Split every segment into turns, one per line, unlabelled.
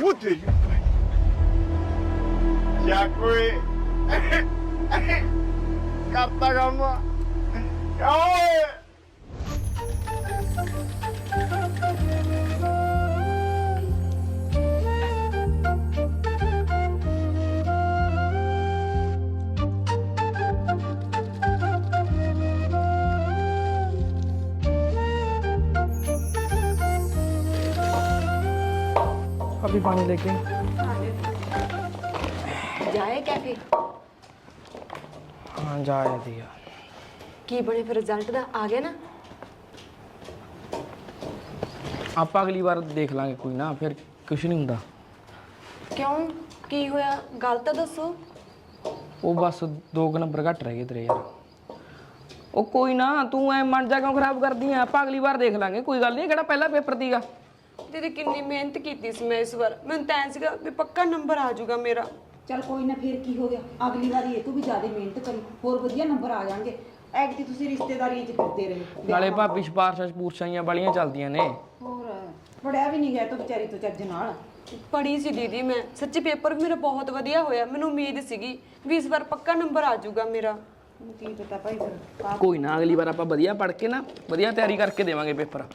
तेरी क्या कोई करता काम ओए
अभी पानी लेके
ਜਾਏ ਕੈਫੇ
हाँ जाया दिया
ਕੀ ਬਣੇ ਫਿਰ ਰਿਜ਼ਲਟ ਦਾ ਆ ਗਿਆ ਨਾ
आप अगली बार देख लांगे कोई ना फिर कुछ नहीं हुंदा
ਕਿਉਂ ਕੀ ਹੋਇਆ ਗੱਲ ਤਾਂ ਦੱਸੋ
वो बस 2 नंबर घट रह गए तेरे यार ओ कोई ना तू ऐ मन जा क्यों खराब कर दी है आप अगली बार देख लांगे कोई गल नहीं केड़ा पहला पेपर दीगा
ਦੀਦੀ ਕਿੰਨੀ ਮਿਹਨਤ ਕੀਤੀ ਸੀ ਮੈਂ ਇਸ ਵਾਰ ਮੈਨੂੰ ਤਾਂ ਐਂ ਸੀਗਾ ਵੀ ਪੱਕਾ ਨੰਬਰ ਆ ਜਾਊਗਾ ਮੇਰਾ
चल कोई ना फिर की हो गया अगली बार ये तू भी ज्यादा मेहनत करी होर वधिया नंबर आ जाएंगे ਐਗਤੀ ਤੁਸੀਂ ਰਿਸ਼ਤੇਦਾਰੀਆਂ 'ਚ ਫਿਰਦੇ ਰਹੇ
नाले भाभी सिफारिशां सपूरशां वालियां चलदियां ने
ਹੋਰ ਪੜਿਆ ਵੀ ਨਹੀਂ ਗਿਆ ਤੂੰ ਵਿਚਾਰੀ ਤੋਂ ਚੱਜ ਨਾਲ
ਪੜ੍ਹੀ ਸੀ ਦੀਦੀ ਮੈਂ ਸੱਚੀ ਪੇਪਰ ਵੀ ਮੇਰਾ ਬਹੁਤ ਵਧੀਆ ਹੋਇਆ ਮੈਨੂੰ ਉਮੀਦ ਸੀਗੀ ਵੀ ਇਸ ਵਾਰ ਪੱਕਾ ਨੰਬਰ ਆ ਜਾਊਗਾ ਮੇਰਾ
ਕੀ ਪਤਾ ਭਾਈ ਫਿਰ
कोई ना अगली बार आप वधिया पढ़ के ना वधिया तैयारी करके देवांगे पेपर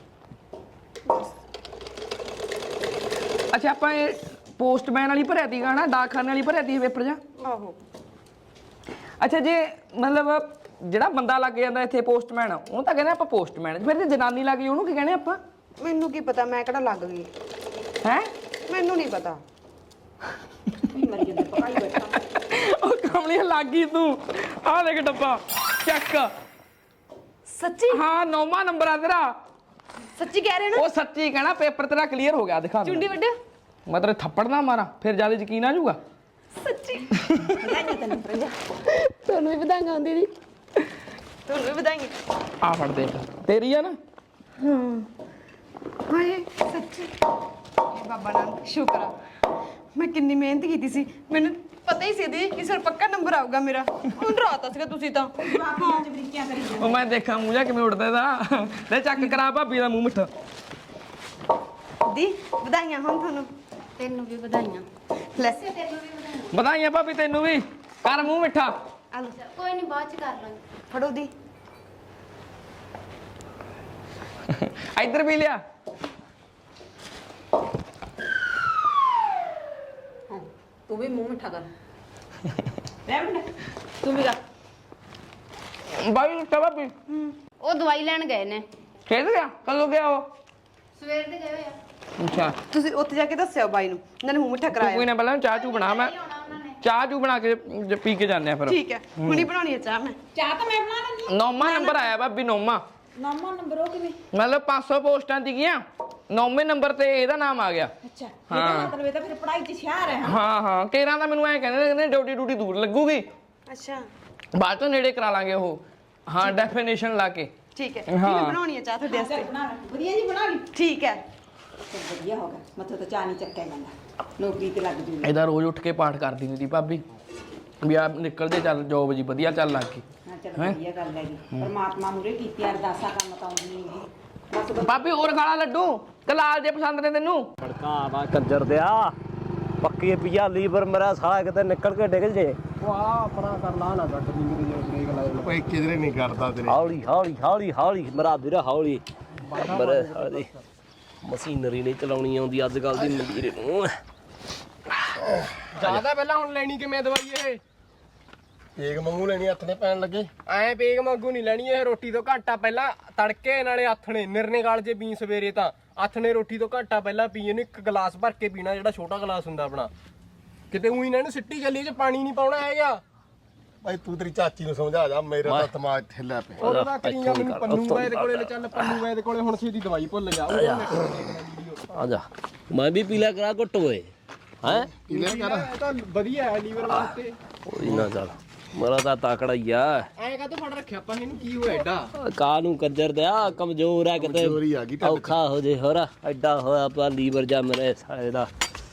अच्छा आप पोस्टमैन वाली भरिया थी ना डाकखाने वाली भरिया थी पेपर जा
ਆਹੋ
अच्छा जे मतलब ਜਿਹੜਾ ਬੰਦਾ ਲੱਗ ਜਾਂਦਾ ਇੱਥੇ ਪੋਸਟਮੈਨ ਉਹਨੂੰ ਤਾਂ ਕਹਿੰਦੇ ਆਪਾਂ ਪੋਸਟਮੈਨ ਫਿਰ ਜੇ ਜਨਾਨੀ ਲੱਗ ਗਈ ਉਹਨੂੰ ਕੀ ਕਹਿੰਦੇ ਆਪਾਂ
ਮੈਨੂੰ ਕੀ ਪਤਾ ਮੈਂ ਕਿਹੜਾ ਲੱਗ ਗਈ
ਹੈ
ਮੈਨੂੰ ਨਹੀਂ ਪਤਾ
ਮਰ ਜਾਂਦਾ ਪਕਾਈ ਬੈਠਾ
ਉਹ ਕਮਲੀ ਲੱਗ ਗਈ ਤੂੰ ਆਹ ਦੇਖ ਡੱਬਾ ਚੈੱਕ
ਸੱਚੀ
ਹਾਂ 9ਵਾਂ ਨੰਬਰ ਆ ਤੇਰਾ
ਸੱਚੀ ਕਹਿ ਰਹੇ ਨਾ
ਉਹ ਸੱਚੀ ਕਹਿਣਾ ਪੇਪਰ ਤੇਰਾ ਕਲੀਅਰ ਹੋ ਗਿਆ ਦਿਖਾ ਦੇ
ਚੁੰਡੀ ਵੱਡਿਆ
ਮਤਲਬ ਥੱਪੜ ਨਾ ਮਾਰਾਂ ਫਿਰ ਜਿਆਦਾ ਯਕੀਨ ਆ ਜਾਊਗਾ
ਸੱਚੀ
ਵਧਾਈਆਂ ਤੈਨੂੰ ਪ੍ਰਜਾ
ਤੁਹਾਨੂੰ ਵੀ ਵਧਾਈਆਂ ਹੁੰਦੀ ਦੀ ਤੁਹਾਨੂੰ ਵੀ ਵਧਾਈਆਂ
ਆ ਫੜ ਦੇਖ ਤੇਰੀ ਆ ਨਾ
ਹਾਏ ਸੱਚੀ ਬਾਬਾ ਨਾਨਕ ਸ਼ੁਕਰ ਆ ਮੈਂ ਕਿੰਨੀ ਮਿਹਨਤ ਕੀਤੀ ਸੀ ਮੈਨੂੰ ਪਤਾ ਹੀ ਸੀ ਦੀ ਕਿ ਸਰ ਪੱਕਾ ਨੰਬਰ ਆਊਗਾ ਮੇਰਾ ਹੁਣ ਡਰਾਤਾ ਸੀਗਾ ਤੁਸੀਂ ਤਾਂ
ਬਾਪੀਆਂ 'ਚ ਬਰੀਕੀਆਂ ਕਰੀ ਜਾਂਦੇ
ਉਹ ਮੈਂ ਦੇਖਾਂ ਮੂੰਹ ਜਾ ਕਿਵੇਂ ਉੱਡਦਾ ਇਹਦਾ ਲੈ ਚੱਕ ਕਰਾ ਭਾਬੀ ਦਾ ਮੂੰਹ ਮਿੱਠਾ
ਦੀ ਵਧਾਈਆਂ ਹੁਣ ਤੁਹਾਨੂੰ
ਤੈਨੂੰ ਵੀ ਵਧਾਈਆਂ
ਲੈ
ਤੈਨੂੰ ਵੀ ਵਧਾਈਆਂ
ਵਧਾਈਆਂ ਭਾਬੀ ਤੈਨੂੰ ਵੀ ਕਰ ਮੂੰਹ ਮਿੱਠਾ
ਆ ਲਓ
ਕੋਈ ਨਹੀਂ ਬਾਅਦ ਚ ਕਰ ਲਾਂਗੇ
ਫੜੋ ਦੀ
ਇੱਧਰ ਵੀ ਲਿਆ
ਤੂੰ ਵੀ ਮੂੰਹ ਮਿੱਠਾ ਕਰ ਲੈ ਬੰਦਾ ਤੂੰ ਵੀ ਕਰ
ਬਾਈ ਭਾਬੀ
ਉਹ ਦਵਾਈ ਲੈਣ ਗਏ ਨੇ
ਖੇਡ ਗਿਆ ਕਦੋਂ ਗਿਆ ਉਹ
ਸਵੇਰ ਦੇ ਗਏ ਹੋਏ ਆ
ਅੱਛਾ
ਤੁਸੀਂ ਉੱਥੇ ਜਾ ਕੇ ਦੱਸਿਓ ਬਾਈ ਨੂੰ ਉਹਨਾਂ ਨੇ ਮੂੰਹ ਮਿੱਠਾ
ਤੂੰ
ਕਰਾਇਆ
ਕੋਈ ਨਾ ਪਹਿਲਾਂ ਚਾਹ ਚੂ ਬਣਾ ਮੈਂ
ਆਉਣਾ ਉਹਨਾਂ ਨੇ
ਚਾਹ ਚੂ ਬਣਾ ਕੇ ਪੀ ਕੇ ਜਾਂਦੇ ਆ ਫਿਰ
ਠੀਕ ਹੈ ਹੁਣੀ ਬਣਾਉਣੀ ਹੈ ਚਾਹ ਮੈਂ
ਚਾਹ ਤਾਂ ਮੈਂ ਬਣਾ ਲੈਂਦੀ
9ਵਾਂ ਨੰਬਰ ਆਇਆ ਭਾਬੀ 9ਵਾਂ
9ਵਾਂ ਨੰਬਰ ਉਹ ਕਿਵੇਂ
ਮਤਲਬ 500 ਪੋਸਟਾਂ ਸੀਗੀਆਂ 9ਵੇਂ ਨੰਬਰ ਤੇ ਇਹਦਾ ਨਾਮ ਆ ਗਿਆ
ਅੱਛਾ ਇਹਦਾ ਮਤਲਬ ਇਹ ਤਾਂ ਫਿਰ ਪੜ੍ਹਾਈ 'ਚ ਹੁਸ਼ਿਆਰ ਹੈ
ਹਾਂ ਹਾਂ ਕੇਰਾਂ ਦਾ ਮੈਨੂੰ ਐ ਕਹਿੰਦੇ ਡਿਊਟੀ ਦੂਰ ਲੱਗੂਗੀ
ਅੱਛਾ
ਬਾਅਦ ਤੋਂ ਨੇੜੇ ਕਰਾ ਲਾਂਗੇ ਉਹ ਹਾਂ ਡੈਫੀਨੇਸ਼ਨ ਲਾ ਕੇ
ਠੀਕ ਹੈ
ਹਾਂ।
ਮੈਂ ਬਣਾਉਣੀ ਹੈ ਚਾਹ ਤੁਹਾਡੇ ਵਾਸਤੇ
ਬਣਾ ਲੈ ਵਧੀਆ ਜੀ ਬਣਾ ਲਈ
ਠੀਕ ਹੈ
ਚੱਲ ਵਧੀਆ ਹੋ ਗਿਆ ਮਤਲਬ ਤਾਂ ਚਾਹ ਨਹੀਂ ਚੱਕਿਆ ਜਾਂਦਾ ਨੌਕਰੀ ਤੇ ਲੱਗ ਜੂਗੀ
ਇਹਦਾ ਰੋਜ਼ ਉੱਠ ਕੇ ਪਾਠ ਕਰਦੀ ਹੁੰਦੀ ਭਾਬੀ ਵੀ ਆ ਨਿਕਲਦੇ ਚੱਲ ਜੋਬ ਜੀ ਵਧੀਆ ਚੱਲ ਲੱਗ ਗਈ
ਹਾਂ ਚਲ ਵਧੀਆ ਗੱਲ ਹੈਗੀ ਪਰਮਾਤਮਾ ਮੂਰੇ ਕੀਤੀ ਅਰਦਾਸਾਂ ਕੰਮ ਤਾਂ ਆਉਂਦੀ ਨਹੀਂ ਬਸ
ਭਾਬੀ ਹੋਰ ਖਾਲਾ ਲੱਡੂ ਕਲਾਲ ਜੇ ਪਸੰਦ ਨੇ ਤੈਨੂੰ
ਫੜਕਾ ਵਾ ਕੰਜਰ ਦਿਆ ਪੱਕੀ ਪੀਆ ਲੀਵਰ ਮੇਰਾ ਸਾਲਾ ਕਿਤੇ ਨਿਕਲ ਕੇ ਡਿੱਗ ਜੇ
ਓਏ ਕਿਧਰੇ ਨਹੀਂ ਕਰਦਾ ਤੇਰੇ
ਹੌਲੀ ਹੌਲੀ ਹੌਲੀ ਹੌਲੀ ਮੇਰਾ ਵੀਰ ਹੌਲੀ ਮੇਰੇ ਸਾਲੇ ਮਸ਼ੀਨਰੀ ਨਹੀਂ ਚਲਾਉਣੀ ਆਉਂਦੀ ਅੱਜ ਕੱਲ ਦੀ ਮਜ਼ਦੂਰੀ ਨੂੰ
ਜਿਆਦਾ ਪਹਿਲਾਂ ਹੁਣ ਲੈਣੀ ਕਿਵੇਂ ਦਵਾਈ ਇਹ
ਏਕ ਮੰਗੂ ਲੈਣੀ ਹੱਥ ਨੇ ਪੈਣ ਲੱਗੇ
ਐ ਪੇਗ ਵਾਂਗੂ ਨਹੀਂ ਲੈਣੀ ਇਹ ਰੋਟੀ ਤੋਂ ਘੰਟਾ ਪਹਿਲਾਂ ਤੜਕੇ ਨਾਲੇ ਆਥਣੇ ਨਿਰਨੇ ਗਾਲ ਜੇ ਪੀ ਸਵੇਰੇ ਤਾਂ ਆਥਣੇ ਰੋਟੀ ਤੋਂ ਘੰਟਾ ਪਹਿਲਾਂ ਪੀ ਇਹਨੂੰ ਇੱਕ ਗਲਾਸ ਭਰ ਕੇ ਪੀਣਾ ਜਿਹੜਾ ਛੋਟਾ ਗਲਾਸ ਹੁੰਦਾ ਆਪਣਾ ਕਿਤੇ ਉਹੀ ਨਾ ਇਹਨੂੰ ਸਿੱਟੀ ਚੱਲੀ ਚ ਪਾਣੀ ਨਹੀਂ ਪਾਉਣਾ ਹੈਗਾ
ਭਾਈ ਤੂੰ ਤੇਰੀ ਚਾਚੀ ਨੂੰ ਸਮਝਾ ਜਾ ਮੇਰਾ ਤਾਂ ਦਿਮਾਗ ਹਿੱਲਿਆ ਪਿਆ
ਉਹਦਾ ਤਾਂ ਕਰੀਆਂ ਮੈਨੂੰ ਪੰਨੂ ਵੈਦ ਕੋਲੇ ਲੈ ਚੱਲ ਪੰਨੂ ਵੈਦ ਕੋਲੇ ਹੁਣ ਛੇਤੀ ਦਵਾਈ ਭੁੱਲ ਜਾ
ਆ ਜਾ ਮੈਂ ਵੀ ਪੀਲਾ ਕਰਾ ਘੁੱਟ ਓਏ ਹੈ
ਕਿਲੇ ਕਰ
ਇਹ ਤਾਂ ਵਧੀਆ ਹੈ ਲੀਵਰ ਵਾਸਤੇ
ਕੋਈ ਨਾ ਚੱਲ ਮੇਰਾ ਤਾਂ ਤਾਕੜਾ ਹੀ ਆ
ਐਂ ਕਾਹਤੋਂ ਫੜ ਰੱਖਿਆ ਆਪਾਂ ਇਹਨੂੰ ਕੀ ਹੋਇਆ ਏਡਾ
ਕਾ ਨੂੰ ਕੰਜਰ ਦਿਆ ਕਮਜ਼ੋਰ ਆ ਕਿਤੇ
ਕਮਜ਼ੋਰੀ ਆ ਗਈ ਢਿੱਡ 'ਚ।
ਔਖਾ ਹੋ ਜੇ ਹੋਰ ਐਡਾ ਹੋਇਆ ਪਿਆ ਲੀਵਰ ਜਾ ਮੇਰੇ ਸਾਲੇ ਦਾ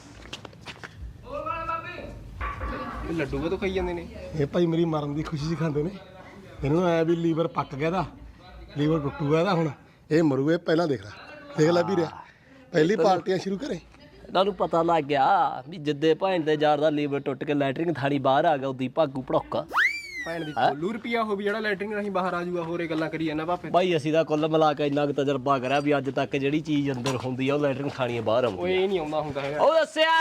ਇਹ ਲੱਡੂ ਕਦੋਂ ਖਾਈ ਜਾਂਦੇ ਨੇ
ਇਹ ਭਾਈ ਮੇਰੀ ਮਰਨ ਦੀ ਖੁਸ਼ੀ 'ਚ ਖਾਂਦੇ ਨੇ ਇਹਨੂੰ ਐ ਵੀ ਲੀਵਰ ਪੱਕ ਗਿਆ ਦਾ ਲੀਵਰ ਟੁੱਟੂਗਾ ਇਹਦਾ ਹੁਣ ਇਹ ਮਰੂ ਇਹ ਪਹਿਲਾਂ ਦੇਖ ਲੈ ਵੀਰੇ ਪਹਿਲੀ ਪਾਰਟੀਆਂ ਸ਼ੁਰੂ ਕਰੇ
ਇਹਨਾਂ ਨੂੰ ਪਤਾ ਲੱਗ ਗਿਆ ਵੀ ਜਿੱਦੇ ਭੈਣ ਦੇ ਯਾਰ ਦਾ ਲੀਵਰ ਟੁੱਟ ਕੇ ਲੈਟਰਿੰਗ ਥਾਣੀ ਬਾਹਰ ਆ ਗਿਆ ਉਦੀ ਭਾਗੂ ਭੜੋਕਾ
ਭੈਣ ਦੀ ਕੋਲੂ ਰੁਪਿਆ ਹੋ ਵੀ ਜਿਹੜਾ ਲੈਟਰਿੰਗ ਰਾਹੀਂ ਬਾਹਰ ਆ ਜਾਊਗਾ ਹੋਰੇ ਗੱਲਾਂ ਕਰੀ ਜਾਂਦਾ ਭਾਪੇ
ਬਾਈ ਅਸੀਂ ਤਾਂ ਕੁੱਲ ਮਿਲਾ ਕੇ ਇੰਨਾ ਕੁ ਤਜਰਬਾ ਕਰਿਆ ਵੀ ਅੱਜ ਤੱਕ ਜਿਹੜੀ ਚੀਜ਼ ਅੰਦਰ ਹੁੰਦੀ ਆ ਉਹ ਲੈਟਰਿੰਗ ਥਾਣੀ ਬਾਹਰ ਆਉਂਦੀ
ਓਏ ਇਹ ਨਹੀਂ ਆਉਂਦਾ ਹੁੰਦਾ ਹੈਗਾ
ਉਹ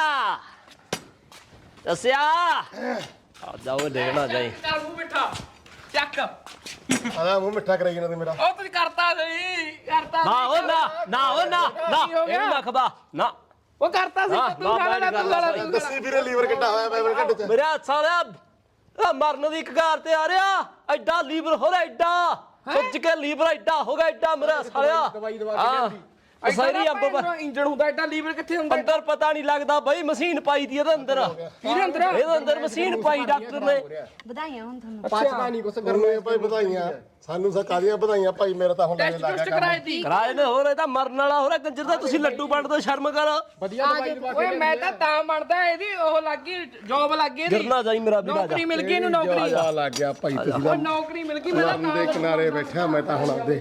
ਦੱਸਿਆ ਆ ਜਾਓ ਦੇਖਣਾ ਜਾਈ
ਚੱਲ ਮੂੰਹ ਮਿੱਠਾ ਚੱਕ
ਆਦਾ ਮੂੰਹ ਮਿੱਠਾ ਕਰਾਈ ਜਾਂਦਾ ਤੇ ਮੇਰਾ
ਉਹ ਤੁਸੀਂ ਕਰਤਾ ਸਹੀ ਕਰਤਾ
ਨਾ ਉਹ ਨਾ ਇਹਨੂੰ ਨਾ ਖਬਾ ਨਾ
ਉਹ ਕਰਤਾ ਸੀ ਤੂੰ ਖਾਣਾ ਤੂੰ ਖਾਣਾ
ਦੱਸੀ ਵੀਰੇ ਲੀਵਰ ਕਿੱਡਾ ਹੋਇਆ ਮੈਂ ਘੱਟ ਚ
ਮੇਰਾ ਸਾਲਿਆ ਆ ਮਰਨ ਦੀ ਕਗਾਰ ਤੇ ਆ ਰਿਹਾ ਐਡਾ ਲੀਵਰ ਹੋ ਰਿਹਾ ਐਡਾ ਸੁੱਜ ਕੇ ਲੀਵਰ ਐਡਾ ਹੋ ਗਿਆ ਐਡਾ ਮੇਰਾ ਸਾਲਿਆ
ਦਵਾਈ ਦਵਾ ਕੇ ਲਿਆਂਦੀ
ਸਾਰੀ ਅੰਬ
ਇੰਜਣ ਹੁੰਦਾ ਐਡਾ ਲੀਵਰ ਕਿੱਥੇ ਹੁੰਦਾ
ਅੰਦਰ ਪਤਾ ਨਹੀਂ ਲੱਗਦਾ ਬਈ ਮਸ਼ੀਨ ਪਾਈ ਦੀ ਇਹਦੇ ਅੰਦਰ
ਇਹਦੇ ਅੰਦਰ
ਇਹਦੇ ਅੰਦਰ ਮਸ਼ੀਨ ਪਾਈ ਡਾਕਟਰ ਨੇ
ਵਧਾਈਆਂ ਹੁਣ ਤੁਹਾਨੂੰ
ਪਚਦਾ ਨਹੀਂ ਕੁਛ
ਗਰਮੇ ਭਾਈ ਵਧਾਈਆਂ ਸਾਨੂੰ ਸਰਕਾਰੀਆਂ ਵਧਾਈਆਂ ਭਾਈ ਮੇਰਾ ਤਾਂ ਹੁਣ
ਟੈਸਟ ਟੈਸਟ ਕਰਾਏ ਤੀ
ਕਿਰਾਏ ਨੇ ਹੋਰ ਇਹ ਤਾਂ ਮਰਨ ਵਾਲਾ ਹੋ ਰਿਹਾ ਕੰਜਰ ਦਾ ਤੁਸੀਂ ਲੱਡੂ ਵੰਡ ਦੋ ਸ਼ਰਮ ਕਰ
ਵਧੀਆ ਦਵਾਈ ਦਵਾ
ਓਏ ਮੈਂ ਤਾਂ ਬਣਦਾ ਇਹਦੀ ਉਹ ਲੱਗੀ ਜੌਬ ਲੱਗ ਗਈ ਇਹਦੀ
ਗਿਰਨਾ ਜਾਈ ਮੇਰਾ ਵੀਰਾ
ਨੌਕਰੀ ਮਿਲ ਗਈ ਇਹਨੂੰ ਨੌਕਰੀ
ਆ ਲੱਗ ਗਿਆ ਭਾਈ ਤੁਸੀਂ
ਉਹ ਨੌਕਰੀ ਮਿਲ ਗਈ ਮੈਂ
ਤਾਂ ਦੇ ਕਿਨਾਰੇ ਬੈਠਾ ਮੈਂ ਤਾਂ ਹੁਣ ਆਪਦੇ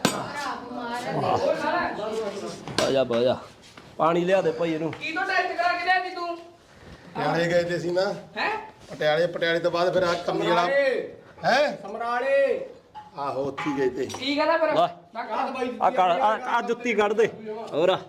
ਆ ਜਾ ਪਾਣੀ ਲਿਆ ਦੇ ਭਾਈ ਇਹਨੂੰ
ਕੀ ਤੋਂ ਟੈਸਟ ਕਰਾ ਕੇ ਲਿਆਂਦੀ ਤੂੰ
ਪਟਿਆਲੇ ਗਏ ਤੇ ਸੀ ਨਾ
ਹੈ
ਪਟਿਆਲੇ ਤੋਂ ਬਾਅਦ ਫਿਰ ਆ ਕੰਮ ਜਿਹੜਾ ਹੈ
ਸਮਰਾਲੇ
ਆਹੋ ਉੱਥੇ ਗਏ ਤੇ
ਕੀ ਕਹਦਾ ਫਿਰ
ਲੈ।
ਮੈਂ ਕਹਾ
ਆ ਜੁੱਤੀ ਕੱਢ ਦੇ ਹੋਰ
ਹਾਂ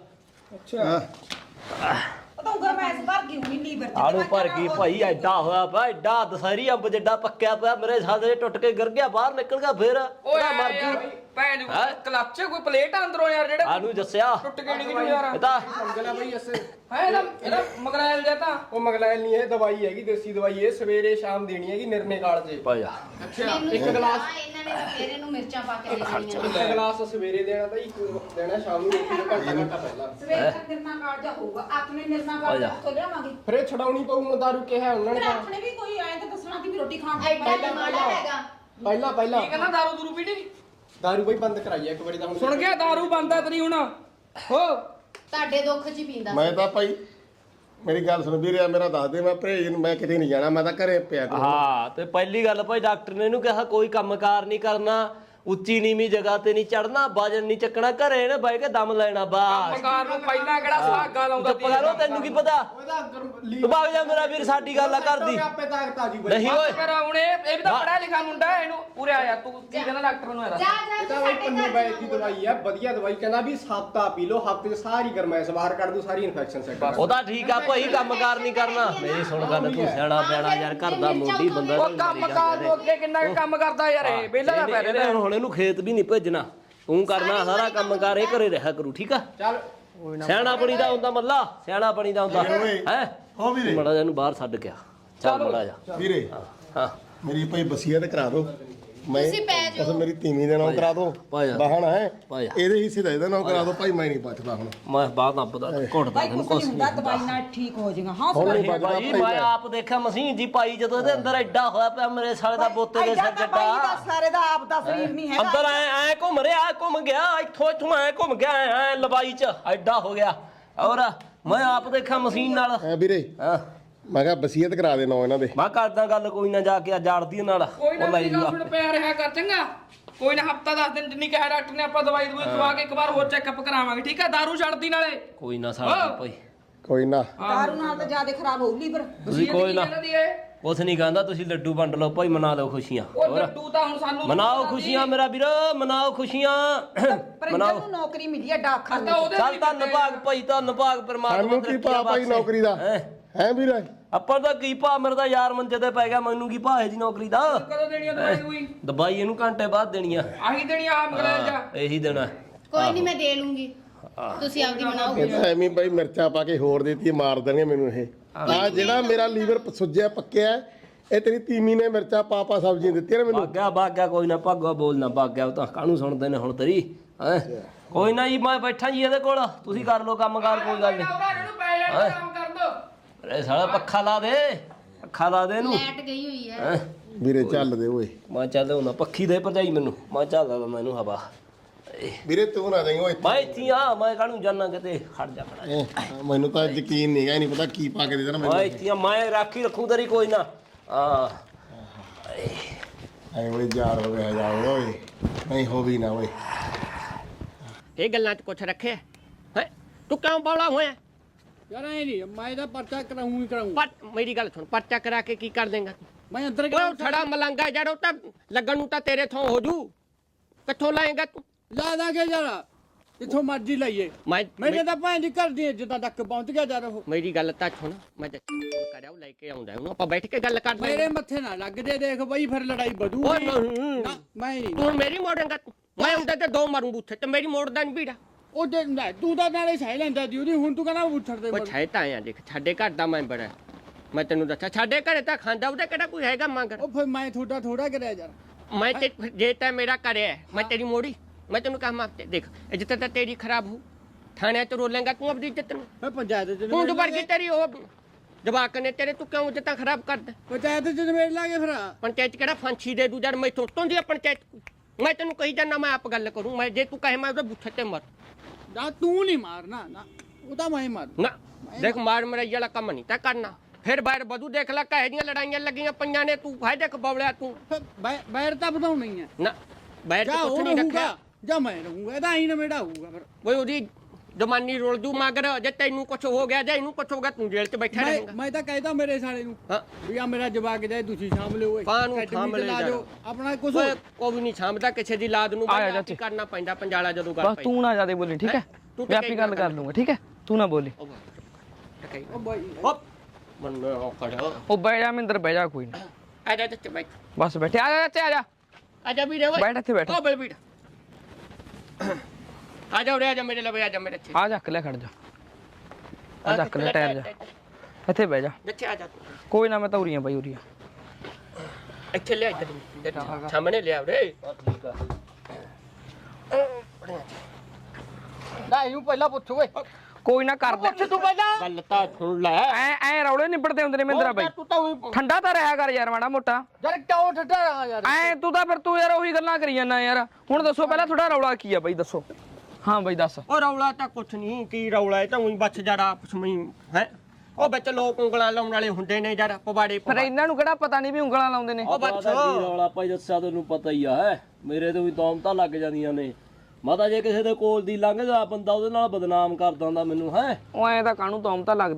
ਉਹ ਤਾਂ ਗਰਮੈਸ ਭਰ ਗਈ ਹੋਣੀ ਲੀਵਰ ਚ
ਆੜੂ ਭਰ ਗਈ ਭਾਈ ਐਡਾ ਹੋਇਆ ਪਿਆ ਐਡਾ ਦਸਹਿਰੀ ਅੰਬ ਜਿੱਡਾ ਪੱਕਿਆ ਪਿਆ ਮੇਰੇ ਸਾਦੇ ਟੁੱਟ ਕੇ ਗਿਰ ਗਿਆ ਬਾਹਰ ਨਿਕਲ ਗਿਆ ਫੇਰ
ਓਏ
ਮਰ ਗਈ
ਭੈਣ ਦੀ ਕਲੱਚ ਕੋਈ ਪਲੇਟ ਅੰਦਰੋਂ ਯਾਰ ਜਿਹੜੇ
ਆਨੂੰ ਦੱਸਿਆ
ਟੁੱਟ ਕੇ ਨਹੀਂ ਯਾਰ
ਇਹ ਤਾਂ
ਮੰਗਲਾ ਬਈ ਅਸੇ
ਹੈ ਇਹਦਾ ਮਗਰਾਇਲ ਜਿਹਾ ਤਾਂ
ਉਹ ਮਗਲੈਲ ਨਹੀਂ ਇਹ ਦਵਾਈ ਹੈਗੀ ਦੇਸੀ ਦਵਾਈ ਇਹ ਸਵੇਰੇ ਸ਼ਾਮ ਦੇਣੀ ਹੈਗੀ ਨਿਰਨੇ ਕਾਲ ਜੇ
ਭਾਇਆ
ਇੱਕ ਗਲਾਸ
ਇਹਨਾਂ ਨੇ ਸਵੇਰੇ ਨੂੰ ਮਿਰਚਾਂ ਪਾ ਕੇ ਦੇ ਦੇਣੀਆਂ
ਇੱਕ ਗਲਾਸ ਸਵੇਰੇ ਦੇਣਾ ਤਾਂ ਇੱਕ ਦੇਣਾ ਸ਼ਾਮ ਨੂੰ ਰੋਟੀ ਤੋਂ ਘੰਟਾ ਪਹਿਲਾਂ
ਸਵੇਰ ਤੱਕ ਨਿਰਨਾ ਕਾਰਡ ਜਾ ਹੋਊਗਾ ਆਪਣੇ ਨਿਰਨਾ ਕਾਰਡ ਤੋਂ ਲਿਆਵਾਂਗੇ
ਫਿਰ ਇਹ ਛਡਾਉਣੀ ਪਊ ਹੁਣ ਦਾਰੂ ਕਿਹਾ ਉਹਨਾਂ ਨੇ
ਫਿਰ
ਤਾਂ।
ਆਪਣੇ ਵੀ ਕੋਈ ਆਏ ਤਾਂ ਦੱਸਣਾ ਕਿ ਵੀ ਰੋਟੀ ਖਾਣ
ਐਡਾ ਮਾੜਾ ਹੈਗਾ
ਪਹਿਲਾਂ
ਕੀ ਕਹਿੰਦਾ ਦਾਰੂ ਦੂਰੂ ਪੀਣੀ
ਦਾਰੂ ਬਈ ਬੰਦ ਕਰਾਈ ਇੱਕ ਵਾਰੀ ਤਾਂ ਹੁਣ
ਸੁਣ ਗਿਆ ਦਾਰੂ ਬੰਦਾ ਤੇਰੀ ਹੁਣ ਹੋ
ਤੁਹਾਡੇ ਦੁੱਖ 'ਚ ਹੀ ਪੀਂਦਾ
ਮੈਂ ਤਾਂ ਭਾਈ ਮੇਰੀ ਗੱਲ ਸੁਣ ਵੀਰੇ ਮੇਰਾ ਦੱਸ ਦੇ ਮੈਂ ਭਰੇਜ ਨੂੰ ਮੈਂ ਕਿਤੇ ਨਹੀਂ ਜਾਣਾ ਮੈਂ ਤਾਂ ਘਰੇ ਪਿਆ ਕਰੂੰ
ਹਾਂ ਤੇ ਪਹਿਲੀ ਗੱਲ ਭਾਈ ਡਾਕਟਰ ਨੇ ਇਹਨੂੰ ਕਿਹਾ ਕੋਈ ਕੰਮਕਾਰ ਨਹੀਂ ਕਰਨਾ ਉੱਚੀ ਨੀਵੀਂ ਜਗ੍ਹਾ ਤੇ ਨਹੀਂ ਚੜਨਾ ਵਜਨ ਨਹੀਂ ਚੱਕਣਾ ਘਰੇ ਨੇ ਬਹਿ ਕੇ ਦਮ ਲੈਣਾ ਬਾਸ
ਮਕਾਰ ਨੂੰ ਪਹਿਲਾਂ ਕਿਹੜਾ ਸੁਹਾਗਾ ਲਾਉਂਦਾ
ਚੁੱਪ ਕਰੋ ਤੈਨੂੰ ਕੀ ਪਤਾ
ਉਹਦਾ
ਤੂੰ ਭਾਗ ਜਾ ਮੇਰਾ ਵੀਰ ਸਾਡੀ ਗੱਲ ਆ ਕਰਦੀ
ਆਪੇ ਤਾਕਤ ਆ ਜੀ ਬਈ
ਨਹੀਂ ਓਏ
ਕਰ ਹੁਣ ਇਹ ਵੀ ਤਾਂ ਪੜਿਆ ਲਿਖਿਆ ਮੁੰਡਾ ਹੈ, ਇਹਨੂੰ ਪੂਰੇ ਆ ਜਾ ਤੂੰ ਕੀ ਕਹਿੰਦਾ ਡਾਕਟਰ ਨੂੰ ਇਹਦਾ
ਜਾ
ਇਹ
ਜਾ
ਤਾਂ ਬਈ ਪੰਨੂ ਬਾਈ ਦੀ ਦਵਾਈ ਆ ਵਧੀਆ ਦਵਾਈ ਕਹਿੰਦਾ ਵੀ ਹਫ਼ਤਾ ਪੀ ਲਓ ਹਫ਼ਤੇ 'ਚ ਸਾਰੀ ਗਰਮੈਸ਼ ਬਾਹਰ ਕੱਢ ਦੂ ਸਾਰੀ ਇਨਫੈਕਸ਼ਨ ਸੈੱਟ
ਉਹਦਾ ਠੀਕ ਆ ਭਾਈ ਕੰਮਕਾਰ ਨਹੀਂ ਕਰਨਾ ਮੇਰੀ ਸੁਣ ਗੱਲ ਤੂੰ ਸਿਆਣਾ ਪਿਆਣਾ ਯਾਰ ਘਰ ਦਾ ਮੋਢੀ ਬੰਦਾ
ਉਹ ਕੰਮ ਕਾਰ ਨੂੰ ਅੱਗੇ ਕਿੰਨਾ ਕੁ ਕੰਮ ਕਰਦਾ ਯਾਰ ਇਹ ਵਿਹਲਾ ਦਾ ਪੈ ਰਿਹਾ
ਹੁਣ ਇਹਨੂੰ ਖੇਤ ਵੀ ਨਹੀਂ ਭੇਜਣਾ ਤੂੰ ਕਰਨਾ ਸਾਰਾ ਕੰਮ ਕਾਰ ਇਹ ਘਰੇ ਰਿਹਾ ਕਰੂ ਠੀਕ ਆ
ਚੱਲ
ਸਿਆਣਾ ਬਣੀ ਦਾ ਹੁੰਦਾ ਮੱਲਾ ਸਿਆਣਾ ਬਣੀ ਦਾ ਹੁੰਦਾ ਹੈ
ਹੋ ਵੀਰੇ
ਮੜਾ ਜਾ ਇਹਨੂੰ ਬਾਹਰ ਛੱਡ ਗਿਆ ਚੱਲ ਮੜਾ ਜਾ
ਵੀਰੇ
ਹਾਂ
ਮੇਰੀ ਭਾਈ ਵਸੀਅਤ ਕਰਾ ਦਿਓ ਮੈਂ
ਤੁਸੀਂ ਪੈ ਜਾਓ।
ਉਸ ਮੇਰੀ ਤੀਵੀਂ ਦੇ ਨਾਮ ਕਰਾ ਦਿਓ
ਪਾ ਜਾ।
ਬਾਹਣ ਹੈ
ਪਾ ਜਾ।
ਇਹਦੇ ਹਿੱਸੇ ਦਾ ਇਹਦਾ ਨਾਮ ਕਰਾ ਦਿਓ ਭਾਈ ਮੈਂ ਨਹੀਂ ਬਚਦਾ ਹੁਣ
ਮੈਂ ਬਾਹਰ ਨਾ ਪਤਾ ਘੁੱਟਦਾ
ਭਾਈ
ਤੈਨੂੰ
ਕੁਛ
ਕੁਛ
ਨਹੀਂ ਹੁੰਦਾ ਦਵਾਈ ਨਾਲ ਠੀਕ ਹੋ ਜਾਏਗਾ ਹਾਂ
ਹੁਣ ਨਹੀਂ
ਨਹੀਂ
ਬਚਦਾ
ਭਾਈ ਮੈਂ ਆਪ ਦੇਖਿਆ ਮਸ਼ੀਨ ਜੀ ਪਾਈ ਜਦੋਂ ਇਹਦੇ ਅੰਦਰ ਐਡਾ ਹੋਇਆ ਪਿਆ ਮੇਰੇ ਸਾਲੇ ਦਾ ਬੋਤੇ ਦੇ ਸਿਰ
ਭਾਈ ਦਾ
ਜੱਟਾ
ਸਾਰੇ ਦਾ ਆਪ ਦਾ ਸਰੀਰ ਨਹੀਂ ਹੈਗਾ
ਅੰਦਰ ਐ ਘੁੰਮ ਰਿਹਾ ਘੁੰਮ ਗਿਆ ਇੱਥੋਂ ਐ ਘੁੰਮ ਗਿਆ ਐ ਲੰਬਾਈ ਚ ਐਡਾ ਹੋ ਗਿਆ ਔਰ ਮੈਂ ਆਪ ਦੇਖਿਆ ਮਸ਼ੀਨ ਨਾਲ
ਐ ਵੀਰੇ
ਹਾਂ
ਮੈਂ ਕਿਹਾ ਵਸੀਅਤ ਕਰਾ ਦੇ ਨਾ ਇਹਨਾਂ ਦੇ
ਮੈਂ ਕਰਦਾ ਗੱਲ ਕੋਈ ਨਾ ਜਾ ਕੇ ਜਾੜਦੀ ਨਾਲ
ਕੋਈ ਨਾ
ਉਹ ਲੈ
ਮੇਰੀ ਗੱਲ ਸੁਣ ਪਿਆ ਰਿਹਾ ਕਰ ਚੰਗਾ ਕੋਈ ਨਾ ਹਫਤਾ 10 ਦਿਨ ਜਿੰਨੀ ਕਿਹਾ ਡਾਕਟਰ ਨੇ ਆਪਾਂ ਦਵਾਈ ਦਵਾਈ ਖਵਾ ਕੇ ਇੱਕ ਵਾਰ ਹੋਰ ਚੈੱਕਅਪ ਕਰਾਵਾਂਗੇ ਠੀਕ ਹੈ ਦਾਰੂ ਛੱਡਦੀ ਨਾਲੇ
ਕੋਈ ਨਾ ਸਾਡਾ ਭਾਈ
ਕੋਈ ਨਾ
ਦਾਰੂ ਨਾਲ ਤਾਂ ਜ਼ਿਆਦਾ ਖਰਾਬ ਹੋਊ ਲੀਵਰ
ਤੁਸੀਂ ਕੋਈ ਨਾ
ਇਹਨਾਂ ਦੀ ਇਹ
ਕੁਛ ਨਹੀਂ ਕਹਿੰਦਾ ਤੁਸੀਂ ਲੱਡੂ ਵੰਡ ਲਓ ਭਾਈ ਮਨਾ ਲਓ ਖੁਸ਼ੀਆਂ
ਉਹ ਲੱਡੂ ਤਾਂ ਹੁਣ ਸਾਨੂੰ
ਮਨਾਓ ਖੁਸ਼ੀਆਂ ਮੇਰਾ ਵੀਰ ਮਨਾਓ ਖੁਸ਼ੀਆਂ
ਪਰਿੰਦਰ ਨੂੰ ਨੌਕਰੀ ਮਿਲੀ ਹੈ ਡਾਕਖਾਨੇ
ਤਾਂ ਉਹਦੇ
ਚੱਲ ਧੰਨਵਾਦ ਭਾਈ ਧੰਨਵਾਦ ਪਰਮਾਤਮਾ
ਸਾਨੂੰ ਕੀ ਭਾ ਭਾਈ ਨੌਕਰੀ ਦਾ ਹੈ ਵੀਰੇ
ਆਪਾਂ ਦਾ ਕੀ ਭਾ ਮੇਰਾ ਤਾਂ ਯਾਰ ਮੰਜੇ ਤੇ ਪੈ ਗਿਆ ਮੈਨੂੰ ਕੀ ਭਾ ਹੈ ਜੀ ਨੌਕਰੀ ਦਾ
ਕਦੋਂ ਦੇਣੀ ਆ ਦਵਾਈ ਦੂਈ
ਦਵਾਈ ਇਹਨੂੰ ਘੰਟੇ ਬਾਅਦ ਦੇਣੀ ਆ
ਆਹੀ ਦੇਣੀ ਆ ਮਗਰੇਲ ਜਾ
ਇਹੀ ਦੇਣਾ
ਕੋਈ ਨਹੀਂ ਮੈਂ ਦੇ ਲੂੰਗੀ ਤੁਸੀਂ ਆਪਦੀ ਬਣਾਓ
ਇਹ ਤਾਂ ਐਵੇਂ ਭਾਈ ਮਿਰਚਾਂ ਪਾ ਕੇ ਹੋਰ ਦੇਤੀ ਮਾਰ ਦੇਣਗੇ ਮੈਨੂੰ ਇਹ ਆ ਜਿਹੜਾ ਮੇਰਾ ਲੀਵਰ ਸੁੱਜਿਆ ਪੱਕਿਆ ਇਹ ਤੇਰੀ ਤੀਮੀ ਨੇ ਮਿਰਚਾਂ ਪਾ ਸਬਜ਼ੀਆਂ ਦਿੱਤੀਆਂ ਨੇ ਮੈਨੂੰ
ਭਾਗਿਆ ਕੋਈ ਨਾ ਭਾਗੋ ਬੋਲਣਾ ਭਾਗਿਆ ਉਹ ਤਾਂ ਕਾਹਨੂੰ ਸੁਣਦੇ ਨੇ ਹੁਣ ਤੇਰੀ ਹੈ ਕੋਈ ਨਾ ਜੀ ਮੈਂ ਬੈਠਾ ਜੀ ਇਹਦੇ ਕੋਲ ਤੁਸੀਂ ਕਰ ਲਓ ਕੰਮ ਕਾਰ ਕੋਈ ਗੱਲ ਨਹੀਂ
ਇਹਨੂੰ ਪੈ ਜਾਣ ਕੰਮ ਕਰ ਦੋ
ਅਰੇ ਸਾਲਾ ਪੱਖਾ ਲਾ ਦੇ ਇਹਨੂੰ
ਲੈਟ ਗਈ ਹੋਈ ਹੈ
ਵੀਰੇ ਚੱਲ ਦੇ ਓਏ
ਮੈਂ ਚੱਲ ਹੁੰਦਾ ਪੱਖੀ ਦੇ ਭਰਜਾਈ ਮੈਨੂੰ ਮੈਂ ਚੱਲਦਾ ਮੈਨੂੰ ਹਵਾ
ਵੀਰੇ ਤੂੰ ਨਾ ਜਾਈਂ ਓਏ
ਮੈਂ ਇੱਥੇ ਆ ਮੈਂ ਕਾਹਨੂੰ ਜਾਣਾ ਕਿਤੇ ਖੜ ਜਾ ਖੜਾ
ਮੈਨੂੰ ਤਾਂ ਯਕੀਨ ਨਹੀਂ ਹੈਗਾ ਨਹੀਂ ਪਤਾ ਕੀ ਪਾ ਕੇ ਦੇ ਦੇਣਾ
ਮੈਂ
ਮੈਨੂੰ
ਇੱਥੇ ਆ ਮੈਂ ਰਾਖੀ ਰੱਖੂ ਤੇਰੀ ਕੋਈ ਨਾ ਆ
ਐ ਓਏ ਯਾਰ ਹੋ ਗਿਆ ਜਾ ਓਏ ਨਹੀਂ ਹੋ ਵੀ ਨਾ ਓਏ
ਇਹ ਗੱਲਾਂ 'ਚ ਕੁਛ ਰੱਖਿਆ ਹੈ ਤੂੰ ਕਿਉਂ ਬੌਲਾ ਹੋਇਆ ਯਾਰ ਐ ਨਹੀਂ ਮੈਂ ਤਾਂ ਪਰਚਾ ਕਰਾਉਂ ਹੀ ਕਰਾਉਂ।
ਪਰ ਮੇਰੀ ਗੱਲ ਸੁਣ, ਪਰਚਾ ਕਰਾ ਕੇ ਕੀ ਕਰ ਦੇਂਗਾ ਤੂੰ?
ਮੈਂ ਅੰਦਰ
ਉਹ ਥੜਾ ਮਲੰਗਾ ਯਾਰ, ਉਹ ਤਾਂ ਲੱਗਣ ਨੂੰ ਤਾਂ ਤੇਰੇ ਥੋਂ ਹੋ ਜੂ। ਕਿੱਥੋਂ ਲਾਏਗਾ ਤੂੰ?
ਲਾ ਦਾਂਗੇ ਯਾਰ ਜਿੱਥੋਂ ਮਰਜ਼ੀ ਲਈਏ। ਮੇਰੇ ਤਾਂ ਭੈਣ ਦੀ ਘਰ ਦੀ ਇੱਜ਼ਤਾਂ ਤੱਕ ਪਹੁੰਚ ਗਿਆ ਯਾਰ ਉਹ।
ਮੇਰੀ ਗੱਲ ਤਾਂ ਸੁਣ, ਮੈਂ ਕਰਿਆ ਉਹ ਲੈ ਕੇ ਆਉਂਦਾ ਉਹਨੂੰ, ਆਪਾਂ ਬੈਠ ਕੇ ਗੱਲ ਕਰਦੇ।
ਮੇਰੇ ਮੱਥੇ ਨਾ ਲੱਗ ਜੇ, ਦੇਖ ਬਈ ਫਿਰ ਲੜਾਈ ਵਧੂਗੀ।
ਓਏ ਨਹੀਂ,
ਨਾ, ਮੈਂ ਨਹੀਂ।
ਤੂੰ ਮੇਰੀ ਮੋੜੇਂਗਾ ਤੂੰ? ਮੈਂ ਉਹਦੇ ਤੇ ਦੋ ਮਾਰੂ ਬੂਥੇ ਤੇ ਮੇਰੀ ਮੋੜਦਾ ਨਹੀਂ ਵੀੜਾ।
ਉਹ ਦੇ ਨਾ, ਤੂੰ ਤਾਂ ਨਾਲੇ ਸਹਿ ਲੈਂਦਾ ਦੀ ਉਹਦੀ, ਹੁਣ ਤੂੰ ਕਹਿੰਦਾ ਉੱਠੜ ਦੇ।
ਉਹ ਛੇ ਤਾਂ ਆਇਆ ਦੇਖ, ਸਾਡੇ ਘਰ ਦਾ ਮੈਂਬਰ ਹੈ, ਮੈਂ ਤੈਨੂੰ ਦੱਸਿਆ। ਸਾਡੇ ਘਰੇ ਤਾਂ ਖਾਂਦਾ, ਉਹਦੇ ਕਿਹੜਾ ਕੋਈ ਹੈਗਾ ਮੰਗਰ।
ਉਹ ਫਿਰ ਮੈਂ ਥੋੜਾ ਕਰਿਆ ਯਾਰ।
ਮੈਂ ਤੇ ਜੇ ਤੈਂ ਮੇਰਾ ਕਰਿਆ ਮੈਂ ਤੇਰੀ ਮੋੜੀ, ਮੈਂ ਤੈਨੂੰ ਕਹਾਂ ਮਾਫ ਦੇਖ, ਇੱਜ਼ਤ ਤਾਂ ਤੇਰੀ ਖਰਾਬ ਹੋ। ਥਾਣੇ ਤੇ ਰੋਲੇਂਗਾ ਤੂੰ ਆਪਣੀ ਇੱਜ਼ਤ ਨੂੰ।
ਮੈਂ ਪੰਚਾਇਤ ਚ
ਤੂੰ ਦੁਬਾਰ ਕੀ ਤੇਰੀ ਉਹ ਜਵਾਕ ਨੇ ਤੇਰੇ, ਤੂੰ ਕਿਉਂ ਇੱਜ਼ਤਾਂ ਖਰਾਬ ਕਰਦਾ?
ਪੰਚਾਇਤ ਚ ਨਿਬੇੜ ਲਾਂਗੇ ਫਿਰ।
ਪੰਚਾਇਤ ਕਿਹੜਾ ਫਾਂਸੀ ਦੇ ਦੂ ਜਦ ਮੈਂ ਤੋਂ ਦੀ ਪੰਚਾਇਤ। ਮੈਂ ਤੈਨੂੰ ਕਹੀ ਜਾਂਦਾ, ਮੈਂ ਆਪ ਗੱਲ ਕਰੂੰ। ਮੈਂ ਜੇ ਤੂੰ ਕਹੇ ਮੈਂ ਉਹਦੇ ਬੁੱਥੇ ਤੇ ਮਰ
ਨਾ, ਤੂੰ ਨਹੀਂ ਮਾਰਨਾ ਨਾ, ਉਹ ਤਾਂ ਮੈਂ ਮਾਰ।
ਨਾ। ਦੇਖ ਮਾਰ ਮਰਾਈ ਵਾਲਾ ਕੰਮ ਨਹੀਂ ਤਾਂ ਕਰਨਾ। ਫਿਰ ਬਾਹਰ ਬਦੂ ਦੇਖ ਲੈ, ਕਹੇ ਦੀਆਂ ਲੜਾਈਆਂ ਲੱਗੀਆਂ ਪਈਆਂ ਨੇ, ਤੂੰ ਫਾਇਦੇ ਕ ਬਵਲਿਆ ਤੂੰ।
ਬੈਰ ਤਾਂ ਵਧਾਉਣਾ ਹੀ ਹੈ
ਨਾ ਬਾਹਰ
ਜਾਂ
ਤਾਂ ਕੁਛ
ਉਹ
ਨਹੀਂ
ਰਹੂਗਾ
ਰੱਖਿਆ।
ਜਾਂ ਮੈਂ ਰਹੂੰਗਾ, ਇਹਦਾ ਹੀ ਨਵੇੜਾ ਹੋਊਗਾ ਫਿਰ।
ਓਏ ਉਹਦੀ ਜਮਾਨੀ ਰੋਲ ਦੂ ਮਗਰ, ਜੇ ਤੈਨੂੰ ਕੁਛ ਹੋ ਗਿਆ ਜਾਂ ਇਹਨੂੰ ਕੁਛ ਹੋ ਗਿਆ, ਤੂੰ ਜੇਲ੍ਹ 'ਚ ਬੈਠਾ ਰਹੇਗਾ।
ਮੈਂ ਤਾਂ ਕਹਿਦਾ ਮੇਰੇ ਸਾਲੇ ਨੂੰ
ਹਾਂ
ਵੀ ਆ ਮੇਰਾ ਜਵਾਕ ਜਾਏ, ਤੁਸੀਂ ਸ਼ਾਮਲ ਹੋਏ
ਕਾਹਨੂੰ
academy
ਸ਼ਾਮਲ
ਤੇ ਲਾ
ਜਾਣਾ?
ਜਾਓ ਆਪਣਾ ਕੁਛ।
ਓਏ ਕੋਈ ਵੀ ਨਹੀਂ ਸਾਂਭਦਾ ਕਿਸੇ ਦੀ ਲਾਦ ਨੂੰ,
ਆਇਆ
ਬਾਈ
ਚਾਚੀ।
ਕਰਨਾ ਪੈਂਦਾ ਪੰਜਾਲਾ ਜਦੋਂ ਗੱਲ
ਬਸ
ਪਈ।
ਤੂੰ ਨਾ ਜ਼ਿਆਦਾ ਬੋਲੀ, ਠੀਕ ਹੈ?
ਤੂੰ
ਮੈਂ ਆਪੇ ਗੱਲ ਕਰ ਲੂੰਗਾ, ਠੀਕ ਹੈ? ਤੂੰ ਨਾ ਬੋਲੀ।
ਉਹ ਬਾਈ
ਹੋਪ ਮੰਨ ਉਹ ਖੜਾ
ਉਹ ਬਹਿ ਜਾ ਮਿੰਦਰ, ਬਹਿ ਜਾ, ਕੋਈ ਨਾ।
ਆ ਜਾ ਤੇ ਬੈਠ।
ਬਸ ਬੈਠੇ, ਆ ਜਾ ਚਾਚੇ, ਆ ਜਾ।
ਆ ਜਾ ਵੀਰੇ ਓਏ,
ਬੈਠ ਇੱਥੇ ਬੈਠ।
ਓ ਬਲਬੀਰ ਆ ਜਾ ਉਰੇ, ਆ ਜਾ ਮੇਰੇ ਲਵੇ, ਆ ਜਾ ਮੇਰੇ ਇੱਥੇ।
ਆ ਚੱਕ ਲੈ, ਖੜ ਜਾ। ਆ ਚੱਕ ਲੈ ਟਾਇਰ ਜਾ, ਇੱਥੇ ਬਹਿ ਜਾ।
ਇੱਥੇ ਆ ਜਾ ਤੂੰ।
ਕੋਈ ਨਾ, ਮੈਂ ਤਾਂ ਉਰੀਆਂ ਬਾਈ, ਉਰੀਆਂ।
ਇੱਥੇ ਲਿਆ ਇੱਧਰ ਸਾਹਮਣੇ ਲਿਆ ਉਰੇ। ਠੀਕ ਆ।
ਨਾ ਇਹਨੂੰ ਪਹਿਲਾਂ ਪੁੱਛ ਓਏ।
ਕੋਈ ਨਾ ਕਰ ਦੇ।
ਤੂੰ ਪਹਿਲਾਂ
ਗੱਲ ਤਾਂ ਸੁਣ ਲੈ।
ਐ ਰੌਲੇ ਨਿਬੜਦੇ ਹੁੰਦੇ ਨੇ ਮਿੰਦਰਾ ਬਾਈ।
ਤੂੰ ਤਾਂ ਉਹੀ
ਠੰਡਾ ਤਾਂ ਰਿਹਾ ਕਰ ਯਾਰ ਮਾੜਾ ਮੋਟਾ।
ਯਾਰ ਕਿਉਂ ਠੱਡਾ ਰਹਾ ਯਾਰ?
ਤੂੰ ਤਾਂ ਫਿਰ ਤੂੰ ਯਾਰ ਉਹੀ ਗੱਲਾਂ ਕਰੀ ਜਾਂਦਾ ਯਾਰ। ਹੁਣ ਦੱਸੋ ਪਹਿਲਾਂ ਤੁਹਾਡਾ ਰੌਲਾ ਕੀ ਆ ਬਾਈ, ਦੱਸੋ। ਹਾਂ ਬਾਈ ਦੱਸ।
ਉਹ ਰੌਲਾ ਤਾਂ ਕੁਛ ਨਹੀਂ, ਕੀ ਰੌਲਾ ਹੈ ਤਾਂ ਉਹੀ ਬੱਚ ਜੜਾ ਆਪਸ ਵਿੱਚ ਹੈ। ਉਹ ਵਿੱਚ ਲੋਕ ਉਂਗਲਾਂ ਲਾਉਣ ਵਾਲੇ ਹੁੰਦੇ ਨੇ ਜੜ ਪਵਾੜੇ।
ਫਿਰ ਇਹਨਾਂ ਨੂੰ ਕਿਹੜਾ ਪਤਾ ਨਹੀਂ ਵੀ ਉਂਗਲਾਂ ਲਾਉਂਦੇ ਨੇ।
ਉਹ ਬੱਚ
ਰੌਲਾ ਭਾਈ ਦੱਸਿਆ ਤੈਨੂੰ ਪਤਾ ਹੀ ਆ, ਮੇਰੇ ਤੋਂ ਵੀ ਦੌਮ ਤਾਂ ਲੱਗ ਜਾਂਦੀਆਂ ਨੇ। ਮਾਤਾ ਜੇ ਕਿਸੇ ਦੇ ਕੋਲ ਦੀ ਲੰਘਦਾ ਬੰਦਾ ਉਹਦੇ ਨਾਲ ਬਦਨਾਮ ਕਰਦਾ ਹੁੰਦਾ ਮੈਨੂੰ ਹੈ।
ਉਹ ਐਂ ਤਾਂ ਕਾਹਨੂੰ ਤੌਮ ਤਾਂ ਲੱਗਦਾ।